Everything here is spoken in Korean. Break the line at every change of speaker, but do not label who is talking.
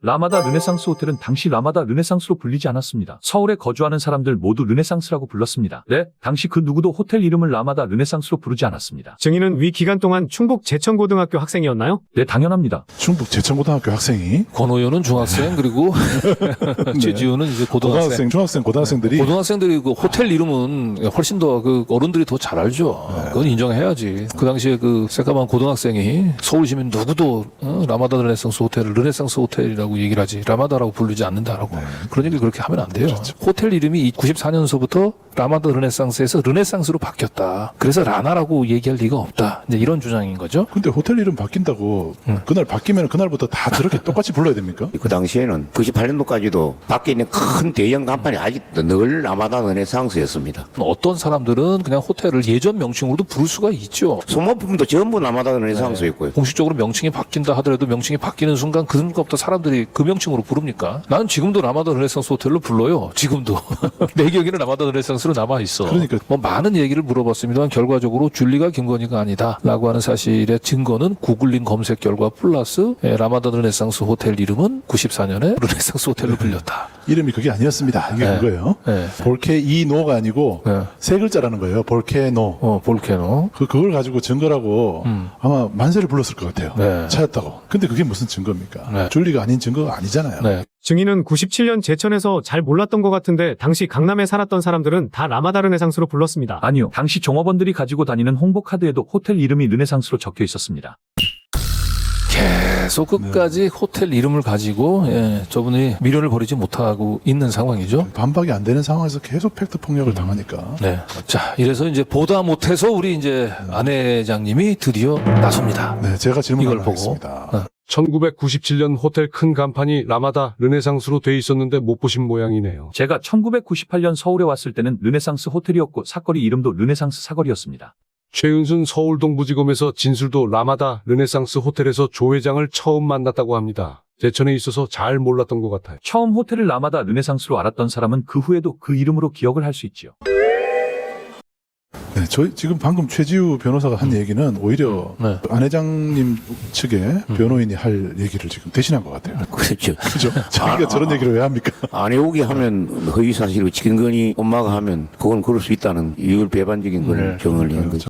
라마다 르네상스 호텔은 당시 라마다 르네상스로 불리지 않았습니다. 서울에 거주하는 사람들 모두 르네상스라고 불렀습니다. 네, 당시 그 누구도 호텔 이름을 라마다 르네상스로 부르지 않았습니다.
증인은 위 기간 동안 충북 제천고등학교 학생이었나요?
네, 당연합니다.
충북 제천고등학교 학생이
권호연은 중학생 그리고 최지우는 이제 고등학생.
중학생, 고등학생들이
고등학생들이 그 호텔 이름은 훨씬 더 그 어른들이 더 잘 알죠. 그건 인정해야지. 그 당시에 그 새까만 고등학생이 서울 시민 누구도 라마다 르네상스 호텔을 르네상스 호텔이라고 얘기를 하지 라마다라고 부르지 않는다라고 그런 얘기를 그렇게 하면 안 돼요. 호텔 이름이 94년서부터 라마다 르네상스에서 르네상스로 바뀌었다. 그래서 라나라고 얘기할 리가 없다. 이제 이런 주장인 거죠.
근데 호텔 이름 바뀐다고 그날 바뀌면 그날부터 다 저렇게 똑같이 불러야 됩니까?
그 당시에는 98년도까지도 밖에 있는 큰 대형 간판이 아직도 늘 라마다 르네상스였습니다.
어떤 사람들은 그냥 호텔을 예전 명칭으로도 부를 수가 있죠.
소모품도 전부 라마다 르네상스였고요.
공식적으로 명칭이 바뀐다 하더라도 명칭이 바뀌는 순간 그 순간부터 사람들이 그 명칭으로 부릅니까? 나는 지금도 라마다 르네상스 호텔로 불러요. 지금도. 내 기억에는 라마다 르네상스로 남아있어.
그러니까.
뭐 많은 얘기를 물어봤습니다만 결과적으로 줄리가 김건희가 아니다 라고 하는 사실의 증거는 구글링 검색 결과 플러스 라마다 르네상스 호텔 이름은 94년에 르네상스 호텔로 불렸다.
이름이 그게 아니었습니다. 이게 그거예요.
네.
볼케이노가 아니고
네.
세 글자라는 거예요. 볼케노.
볼케노.
그걸 가지고 증거라고 아마 만세를 불렀을 것 같아요.
네.
찾았다고. 근데 그게 무슨 증거입니까?
네.
줄리가 아닌 증거가 아니잖아요.
네.
증인은 97년 제천에서 잘 몰랐던 것 같은데 당시 강남에 살았던 사람들은 다 라마다 르네상스로 불렀습니다.
아니요. 당시 종업원들이 가지고 다니는 홍보 카드에도 호텔 이름이 르네상스로 적혀 있었습니다.
계속 끝까지 호텔 이름을 가지고 저분이 미련을 버리지 못하고 있는 상황이죠.
반박이 안 되는 상황에서 계속 팩트 폭력을 당하니까.
네. 자, 이래서 이제 보다 못해서 우리 이제 안 회장님이 드디어 나섭니다.
네, 제가 질문을
이걸 보고.
하겠습니다.
1997년 호텔 큰 간판이 라마다 르네상스로 돼 있었는데 못 보신 모양이네요.
제가 1998년 서울에 왔을 때는 르네상스 호텔이었고 사거리 이름도 르네상스 사거리였습니다.
최은순 서울동부지검에서 진술도 라마다 르네상스 호텔에서 조 회장을 처음 만났다고 합니다. 제천에 있어서 잘 몰랐던 것 같아요.
처음 호텔을 라마다 르네상스로 알았던 사람은 그 후에도 그 이름으로 기억을 할 수 있지요.
네, 저희 지금 방금 최지우 변호사가 한 얘기는 오히려
네.
안 회장님 측의 변호인이 할 얘기를 지금 대신한 것 같아요.
그렇죠.
그죠? 자기가 저런 얘기를 왜 합니까?
안 해오게 하면 허위사실이고 김건희 엄마가 하면 그건 그럴 수 있다는 이율 배반적인 걸 정을 낸 거죠.